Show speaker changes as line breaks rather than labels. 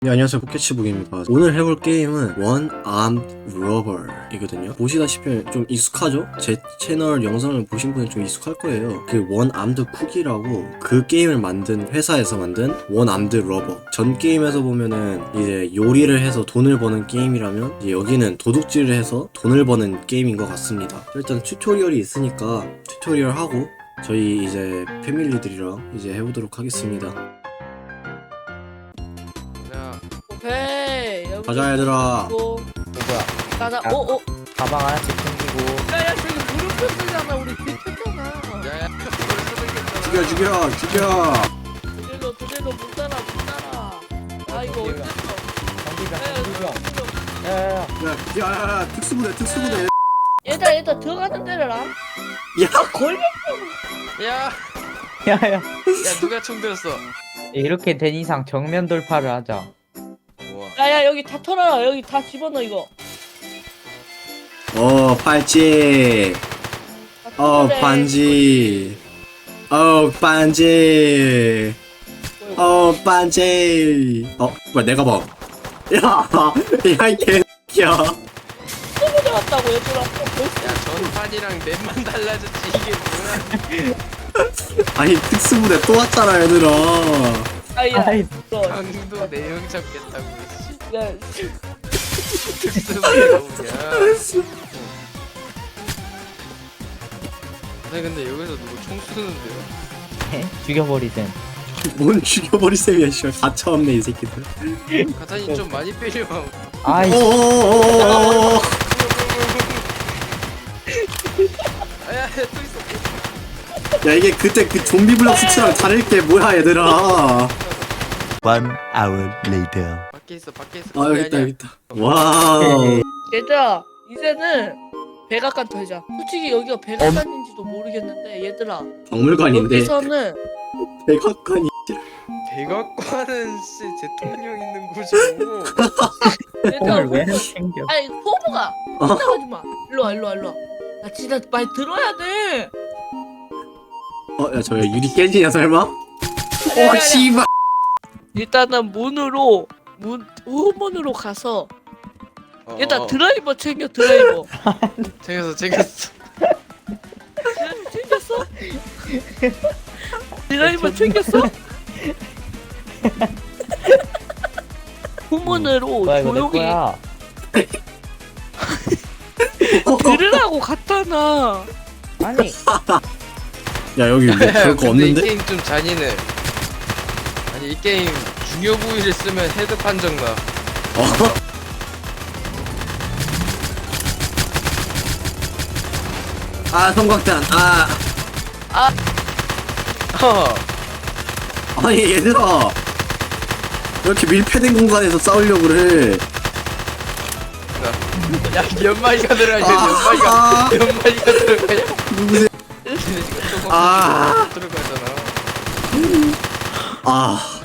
네, 안녕하세요. 포켓치북입니다. 오늘 해볼 게임은 One Armed Robber 이거든요. 보시다시피 좀 익숙하죠? 제 채널 영상을 보신 분은 좀 익숙할 거예요. 그 One Armed Cookie라고 그 게임을 만든 회사에서 만든 One Armed Robber. 전 게임에서 보면은 이제 요리를 해서 돈을 버는 게임이라면 이제 여기는 도둑질을 해서 돈을 버는 게임인 것 같습니다. 일단 튜토리얼이 있으니까 튜토리얼 하고 저희 이제 패밀리들이랑 이제 해보도록 하겠습니다.
오케이 여기
가자 얘들아.
누구야?
가자.
야.
오오
가방 하나씩 챙기고.
야야 저기 무릎 꿇잖아. 우리 뒤쳤잖아.
야야
죽여.
도대로 못 따라. 아 이거
어디가?
어딨어?
정비병. 야야야.
야, 특수부대.
얘들아 들어가는 데를 안?
야,
걸려.
야
야야.
누가 총 들었어?
이렇게 된 이상 정면 돌파를 하자.
우와
야야 여기 다 털어라. 여기 다 집어넣어 이거.
팔찌.
다 털어래.
반지. 반지. 반지. 뭐야, 내가 봐. 야, 이 개새끼야.
또 가져왔다고 얘들아. 벌써
야 전판이랑 맵만 달라졌지 이게 뭐야.
아니, 특수부대 또 왔잖아, 얘들아.
아야.
아이,
강도 내용 잡겠다고 씨.
야
특수부대가 뭐냐. 아니 근데 여기서 누구 총 쏘는데요?
죽여버리든.
뭔 죽여버릴 셈이야, 씨발. 가차없네, 이 새끼들.
가탄이 좀 많이 빼려.
아이.
어어어어어어.
아야 또 있어.
야, 이게 그때 그 좀비 블럭 수치랑 다를 게 뭐야, 얘들아.
One hour later.
밖에 있어.
여기 있다. 와우.
얘들아 이제는 백악관 털자. 솔직히 여기가 백악관인지도 모르겠는데 얘들아
박물관인데.
여기서는
백악관이.
백악관은 씨 대통령 있는 곳이고.
얘들아
폰을 왜 챙겨?
아니 포부가 나가지 마. 일로 와. 나 진짜 많이 들어야 돼.
야, 저기 유리 깨지냐, 설마?
아니.
씨발.
일단은 후문으로 가서 일단 드라이버 챙겨. 드라이버
챙겼어.
챙겼어? 드라이버 챙겼어? 후문으로
뭐야 이거 내
조용히
거야.
들으라고 갔잖아.
아니.
야, 여기 뭐 그럴 거
근데 이
없는데?
게임 좀 잔인해. 아니 이 게임 중요 부위를 쓰면 헤드 판정 나.
성광탄.
어.
아니, 얘들아. 이렇게 밀폐된 공간에서 싸우려고 그래.
야 연마이가 들어가냐? 연마이가 들어가냐?
누구세요?
근데 지금 또
아.
들어가잖아.
아.